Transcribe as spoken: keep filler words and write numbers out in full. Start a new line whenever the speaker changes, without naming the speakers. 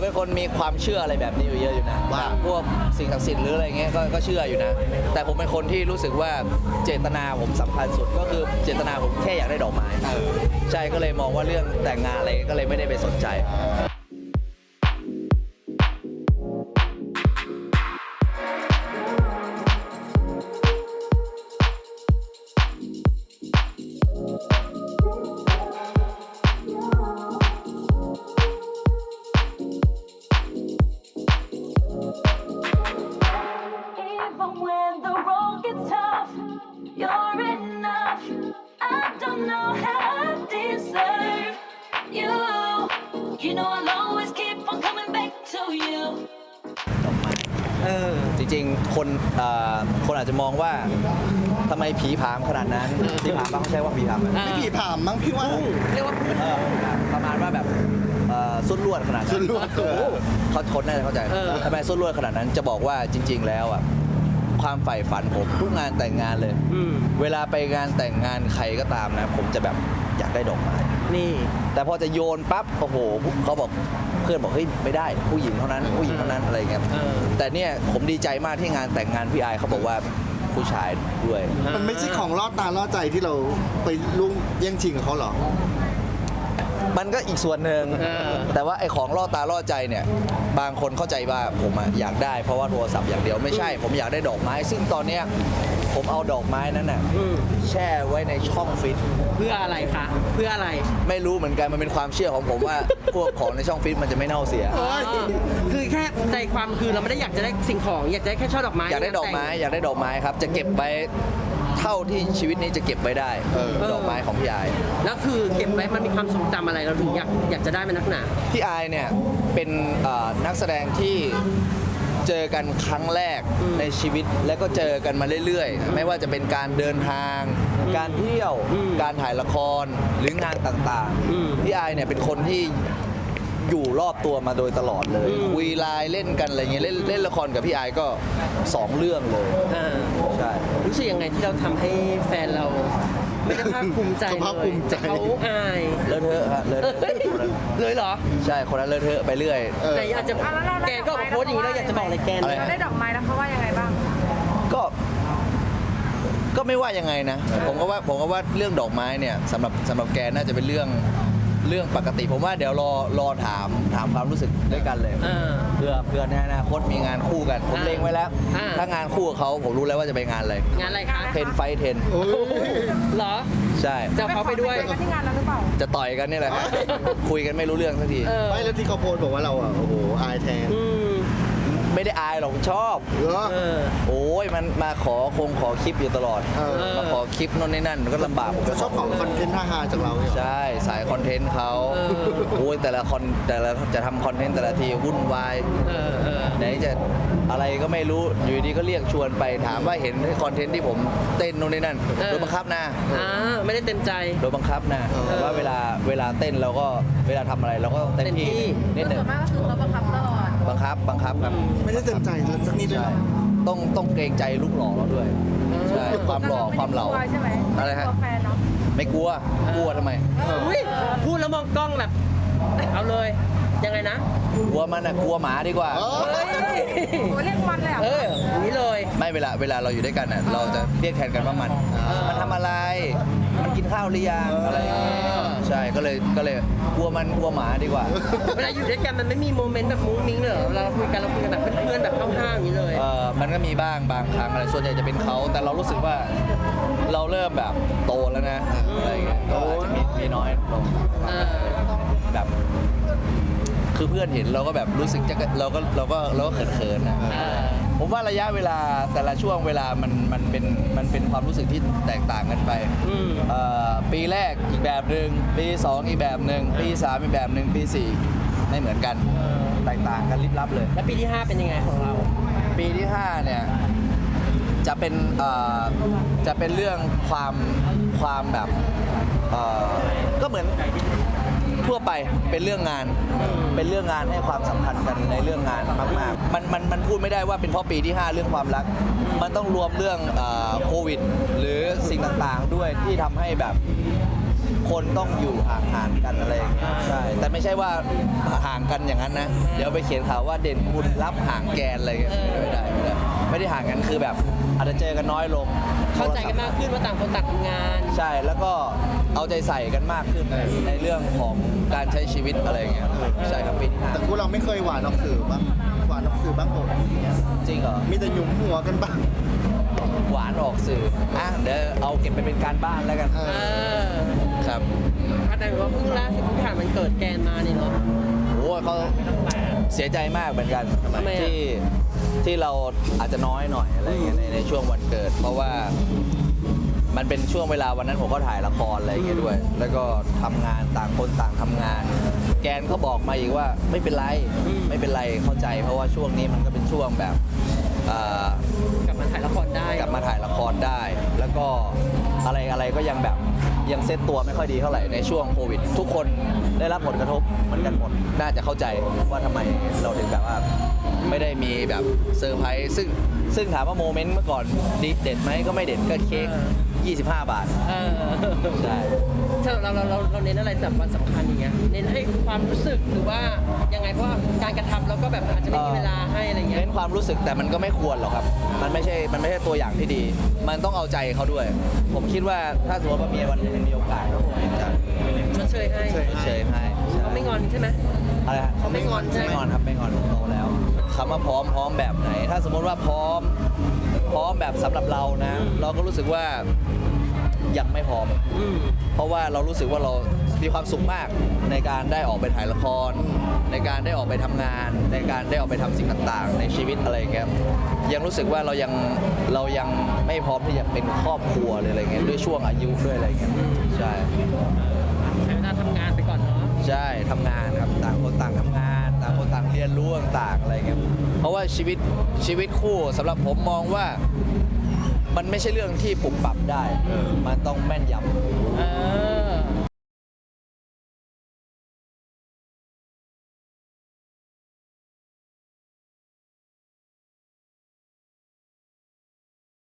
เป็นคนมีความเชื่ออะไรแบบนี้อยู่เยอะอยู่นะว่าพวกสิ่งศักดิ์สิทธิ์หรืออะไรเงี้ยก็ก็เชื่ออยู่นะแต่ผมเป็นคนที่รู้สึกว่าเจตนาผมสำคัญสุดก็คือเจตนาผมแค่อยากได้ดอกไม้ใช่ก็เลยมองว่าเรื่องแต่งงานอะไรก็เลยไม่ได้ไปสนใจจริงๆคนคนอาจจะมองว่าทำไมผีผามขนาดนั้นผีผามบ้างเขาใช้ว่าผีผาม
ไม่ผีผามมั้งพี่ว่า
เรียกว่า
ประมาณว่าแบบสุดลวดขนาดนั้น
สุดลวด
เขาทนน่าจะเข้าใจทำไมสุดลวดขนาดนั้นจะบอกว่าจริงๆแล้วอ่ะความใฝ่ฝันผมทุกงานแต่งงานเลยเวลาไปงานแต่งงานใครก็ตามนะผมจะแบบอยากได้ดอกไม้
นี่
แต่พอจะโยนปั๊บโอ้โหเขาบอกเพื่อนบอกเฮ้ยไม่ได้ผู้หญิงเท่านั้นผู้หญิงเท่านั้นอะไรเงี้ยแต่เนี่ยผมดีใจมากที่งานแต่งงานพี่ไอเขาบอกว่าผู้ชายด้วย
มันไม่ใช่ของล่อตาล่อใจที่เราไปลุ่งแย่งชิงกับเขาหรอ
มันก็อีกส่วนหนึ่งแต่ว่าไอ้ของล่อตาล่อใจเนี่ยบางคนเข้าใจว่าผมอยากได้เพราะว่าโทรศัพท์อย่างเดียวไม่ใช่ผมอยากได้ดอกไม้ซึ่งตอนเนี้ยผมเอาดอกไม้นั้นน่ะแช่ไว้ในช่องฟิต
เพื่ออะไรคะเพื่ออะไร
ไม่รู้เหมือนกันมันเป็นความเชื่อของผมว่าพวกของในช่องฟิตมันจะไม่เน่าเสีย
คือแค่ใจความคือเราไม่ได้อยากจะได้สิ่งของอยากได้แค่ช่อดอกไม้
อยากได้ดอกไม้อยากได้ดอกไม้ครับจะเก็บไว้เท่าที่ชีวิตนี้จะเก็บไว้ได้ดอกไม้ของพี่ไอ
แล้วคือเก็บไว้มันมีความทรงจำอะไรเราถึงอยากอยากจะได้มันนักหนา
พี่ไอเนี่ยเป็นนักแสดงที่เจอกันครั้งแรกในชีวิตแล้วก็เจอกันมาเรื่อยๆไม่ว่าจะเป็นการเดินทางการเที่ยวการถ่ายละครหรืองานต่างๆพี่ไอเนี่ยเป็นคนที่อยู่รอบตัวมาโดยตลอดเลยคุยไลน์เล่นกันอะไรเงี้ยเล่นเล่นละครกับพี่ไอก็สองเรื่องเลยใช่
รู้สึกยังไงที่เราทำให้แฟนเราไม่ได้ภาคภูมิใจเลยเขาอาย
เลอะเทอะฮะเลอะ
เลยเหรอ
ใช่คนนั้นเลอะเทอะไปเรื่อย
แต่อาจจะแกก็โพสอย่างนี้แล้วอยากจะบอกอะไรแก
ได้ดอกไม้แล้วเขาว่ายังไงบ้าง
ก็ก็ไม่ว่ายังไงนะผมก็ว่าผมก็ว่าเรื่องดอกไม้เนี่ยสำหรับสำหรับแกน่าจะเป็นเรื่องเรื่องปกติผมว่าเดี๋ยวรอรอถามถามความรู้สึกด้วยกันเลยเพื่อเพื่อในอนาคตมีงานคู่กันผมเล็งไว้แล้วถ้างานคู่กับเขาผมรู้แล้วว่าจะไปงานอะไร
งานอะไรคะ
เทนไฟเทน
เหรอ
ใช่
จะเขาไปด้วย
ที่งานนั้นหรือเปล่า
จะต่อยกันนี่แหละคุยกันไม่รู้เรื่องสักที
ไม่แล้วที่เขาโพสบอกว่าเราอ่ะโอ้โหอายแทน
ไม่ได้อายหรอกชอบโอ้ยมันมาขอคงขอคลิปอยู่ตลอดมาขอคลิปโน่นนี่นั่นก็ลำบากผม
ก็ชอบของคอนเทนต์ท่าฮาจากเรา
ใช่สายคอนเทนต์เขาโอ้ยแต่ละคอนแต่ละจะทำคอนเทนต์แต่ละทีวุ่นวายไหนจะอะไรก็ไม่รู้อยู่ดีก็เรียกชวนไปถามว่าเห็นคอนเทนต์ที่ผมเต้นโน่นนี่นั่นโดนบังคับนะ
ไม่ได้เต็มใจ
โดนบังคับนะว่าเวลาเวลาเต้นเราก็เวลาทำอะไรเราก็เต็มที่
นิดหนึ่งส่วนมากก็คือเราบังคับตลอด
บังคับบังคับครับ
ไม่ได้เต็มใจสักนิดเลย
ต้องต้องเกรงใจลูกหล่อเราด้วยใช่ความหล่อความเหล่าอะไรฮะไม่กลัวกลัวทำไม
พูดแล้วมองกล้องแบบเอาเลยยังไงนะ
กลัวมันนะกลัวหมาดีกว่า
โอ้เรียกมันเลยอ่ะ
เออนี้เลย
ไม่เวลาเวลาเราอยู่ด้วยกันอ่ะเราจะเรียกแทนกันว่ามันมันทำอะไรมันกินข้าวหรือยังอะไรใช่ก็เลยก็เลยกลัวมันกลัวหมาดีกว่า
เวลาอยู่ด้วยกันมันไม่มีโมเมนต์แบบมุ้งมิ้งเลยเราคุยกันเราคุยกันแบบเพื่อนๆแบบห้าวๆอย่างนี้เลย
เออมันก็มีบ้างบางครั้งอะไรส่วนใหญ่จะเป็นเขาแต่เรารู้สึกว่าเราเริ่มแบบโตแล้วนะอะไรเงี้ยก็อาจจะมีมีน้อยลงแบบคือเพื่อนเห็นเราก็แบบรู้สึกจะเราก็เราก็เราก็เขินๆนะผมว่าระยะเวลาแต่ละช่วงเวลามันมันเป็นมันเป็นความรู้สึกที่แตกต่างกันไปปีแรกอีกแบบหนึ่งปีสองอีกแบบหนึ่งปีสามอีกแบบหนึ่งปีสี่ไม่เหมือนกันแตกต่างกันลิบลับเลย
แล้วปีที่ห้าเป็นยังไงของเรา
ปีที่ห้าเนี่ยจะเป็นจะเป็นเรื่องความความแบบก็เหมือนทั่วไปเป็นเรื่องงานเป็นเรื่องงานให้ความสำคัญกันในเรื่องงานมากๆมันมันมันพูดไม่ได้ว่าเป็นเพราะปีที่ห้าเรื่องความรักมันต้องรวมเรื่องโควิดหรือสิ่งต่างๆด้วยที่ทำให้แบบคนต้องอยู่ห่างๆกันอะไรอย่างเงี้ยใช่แต่ไม่ใช่ว่าห่างกันอย่างนั้นนะเดี๋ยวไปเขียนข่าวว่าเด่นคุณรับห่างแกนอะไรเงี้ยไม่ได้ไม่ได้ไม่ได้ห่างกันคือแบบอาจจะเจอกันน้อยลง
เข้าใจกันมากขึ้นว่าต่างคนต่างทำงาน
ใช่แล้วก็เอาใจใส่กันมากขึ้นในเรื่องของการใช้ชีวิตอะไรอย่างเงี้ยใช่ครับปีที่ห้า
แต่คู่เราไม่เคยหวานออกสื่อบ้างหวานออกสื่อบ้างผม
จริงเหรอ
มีแต่หยุมหัวกันบ้าง
หวานออกสื่ออ่ะเดี๋ยวเอาเก็บไปเป็นการบ้านแล้วกัน
เอ
เออ
ครับ
แต่ว่าเพิ่งล่าสุดเพิ่งผ่านมันเกิดแกนมานี่เนาะ
โอ้ยเขาเสียใจมากเหมือนกัน
ทำไมอ่ะ
ที่ที่เราอาจจะน้อยหน่อยอะไรอย่างเงี้ยในในช่วงวันเกิด เพราะว่ามันเป็นช่วงเวลาวันนั้นผมก็ถ่ายละครอะไรอย่างเงี้ยด้วย แล้วก็ทำงานต่างคนต่างทำงาน แกนเขาบอกมาอีกว่าไม่เป็นไรไม่เป็นไรเข้าใจ เพราะว่าช่วงนี้มันก็เป็นช่วงแบบเอ่อก
ลับมาถ่ายละครได้
กลับมาถ่ายละครได้ แล้วก็อะไรอะไรก็ยังแบบยังเซตตัวไม่ค่อยดีเท่าไหร่ในช่วงโควิด ทุกคนได้รับผลกระทบเหมือนกันหมดน่าจะเข้าใจว่าทำไมเราถึงแบบว่าไม่ได้มีแบบเซอร์ไพรส์ซึ่งซึ่งถามว่าโมเมนต์เมื่อก่อนดีเด็ดไหมก็ไม่เด็ดก็เค้กยี่สิบห้า บาท
เออ
ใช่
ถ้าเราเราเราเราเน้นอะไรสำคัญสำคัญอย่างเงี้ยเน้นให้ความรู้สึกหรือว่ายังไงเพราะว่าการกระทำเราก็แบบอาจจะไม่มีเวลาให้อะไรเงี้ย
เน้นความรู้สึกแต่มันก็ไม่ควรหรอกครับ มันไม่ใช่มันไม่ใช่ตัวอย่างที่ดี มันต้องเอาใจเขาด้วย ผมคิดว่าถ้าสมมติว่ามีวันหนึงมีโอกาสก็คงจะ
ชดเชยให้
ชดเชย
เฉยให้
เขาไม่งอนใช่ไหม
อะไรฮะ
เขาไม่งอนใช่ไหม
ไม่งอนครับไม่งอนโตแล้วคำว่าพร้อมพร้อมแบบไหน ถ้าสมมติว่าพร้อมพร้อมแบบสำหรับเรานะ เราก็รู้สึกว่ายังไม่พร้อม
อืม
เพราะว่าเรารู้สึกว่าเรามีความสุขมากในการได้ออกไปถ่ายละคร ในการได้ออกไปทำงาน ในการได้ออกไปทำสิ่งต่างๆ ในชีวิตอะไรอย่างเงี้ยยังรู้สึกว่าเรายังเรายังไม่พร้อมที่จะเป็นครอบครัวเลยอะไรเงี้ยด้วยช่วงอายุด้วยอะไรเงี้ยใช่
ใช้เวลาทำงานไปก่อนเนาะ
ใช่ทำงานครับต่างคนต่างทำงาน ต่างคนต่างเรียนรู้ต่างๆอะไรเงี้ยเพราะว่าชีวิตชีวิตคู่สำหรับผมมองว่ามันไม่ใช่เรื่องที่ปรับปรับได้ มันต้องแม่นยำ
เออ